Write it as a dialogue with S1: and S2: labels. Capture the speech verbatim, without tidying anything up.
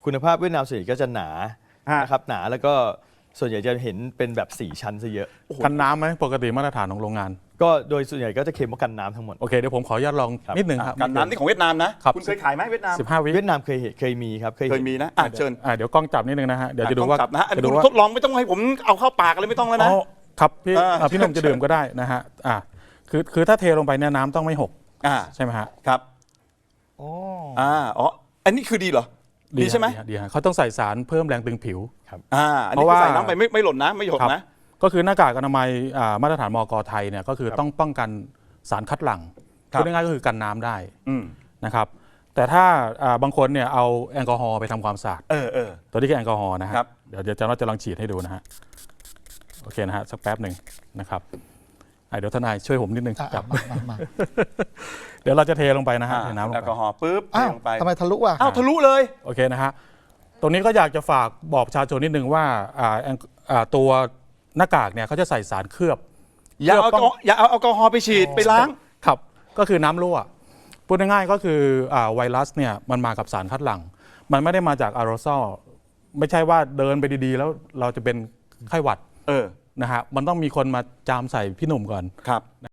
S1: คุณภาพเวียดนามส่วนใหญ่ก็จะหนา
S2: ฮะ
S1: นะครับหนาแล้วก็ส่วนใหญ่จะเห็นเป็นแบบสี่ชั้นซะเยอะ
S3: กันน้ำไหมปกติมาตรฐานของโรงงาน
S1: ก็โดยส่วนใหญ่ก็จะเค็มว่ากันน้ำทั้งหมด
S3: โอเคเดี๋ยวผมขออนุญาตลอง
S1: ครับ
S3: นิดหนึ่งครับ
S2: กันน้ำนี่ของเวียดนามนะครับ คุณเคยขายไหมเวียดนาม
S3: สิบห้าวิ
S1: เวียดนามเคยเห็นเคยมีครับเคย
S2: เค
S1: เห็
S2: ย
S1: น
S2: มีนะอ่ะเชิญ
S3: อ่าเดี๋ยวกล้องจับนิดนึงนะฮะเดี๋ยวจะดูว่า
S2: ต้องจับนะฮะอัน
S3: จะ
S2: นี้
S3: ดู
S2: คุณ
S3: ว่า
S2: ทดลองไม่ต้องให้ผมเอาเข้าปากอะไรไม่ต้องแล้วนะ
S3: อ๋อครับพี่
S2: อ่า
S3: อ่าพี่หนุ่มจะดื่มก็ได้นะฮะอ่าคือคือถ้าเทลงไปเนี่ยน้ำต้องไม่หก
S2: อ่า
S3: ใช่ไหมฮะ
S2: ครับ
S1: อ๋อ
S2: อ่าอ๋ออันนี้คือดีเหรอดีใช่ไหม
S3: ฮะดีฮะเขาต้องใส่สารเพิ่มแรงตึงผิว
S2: อ่าอันนี้
S3: เพราะ
S2: คือ
S3: ว่า
S2: ใส่น้ำไปไม่ไม่หล่นนะไม่หยด
S3: ครับ
S2: นะ
S3: ก็คือหน้ากากอนามัยอ่ามาตรฐานมกไทยเนี่ยก็คือ
S2: ครับ
S3: ต้องป้องกันสารคัดหลั่ง
S2: ครับ
S3: พูดง่ายๆก็คือกันน้ำได้
S2: อืม
S3: นะครับแต่ถ้าอ่าบางคนเนี่ยเอาแอลกอฮอล์ไปทำความสะอาด
S2: เออเออ
S3: ตัวนี้คือแอลกอฮอล์นะฮะ
S2: ครับ
S3: เดี๋ยวเดี๋ยวจะเราจะลองฉีดให้ดูนะฮะโอเคนะฮะสักแป๊บหนึ่งนะครับอ่ะเดี๋ยวทนายช่วยผมนิดนึง
S4: อ่ะ
S3: จับ
S4: มามามา
S3: เดี๋ยวเราจะเทลงไปนะฮะ
S2: อ่า
S3: เทน้ำลง
S2: แอล
S3: ไป
S2: กอฮอล์ปุ๊บเท
S4: อ้าว
S2: ลงไป
S4: ทำไมทะลุอ่ะ
S2: อ้าวทะลุเลย
S3: โอเคนะฮะตรงนี้ก็อยากจะฝากบอกประชาชนนิดนึงว่าอ่าแอลอ่าตัวหน้ากากเนี่ยเขาจะใส่สารเคลือบ
S2: อย่าเอาแอลกอฮอล์อย่าเอาแอลกอฮอล์ไปฉีดไปล้าง
S3: ครับก็คือน้ำรั่วพูดง่ายๆก็คืออ่าไวรัสเนี่ยมันมากับสารคัดหลั่งมันไม่ได้มาจากอาโรซอลไม่ใช่ว่าเดินไปดีๆ แล้วเราจะเป็นไข้หวัด
S2: เออ
S3: นะฮะมันต้องมีคนมาจามใส่พี่หนุ่มก่อน
S2: ครับ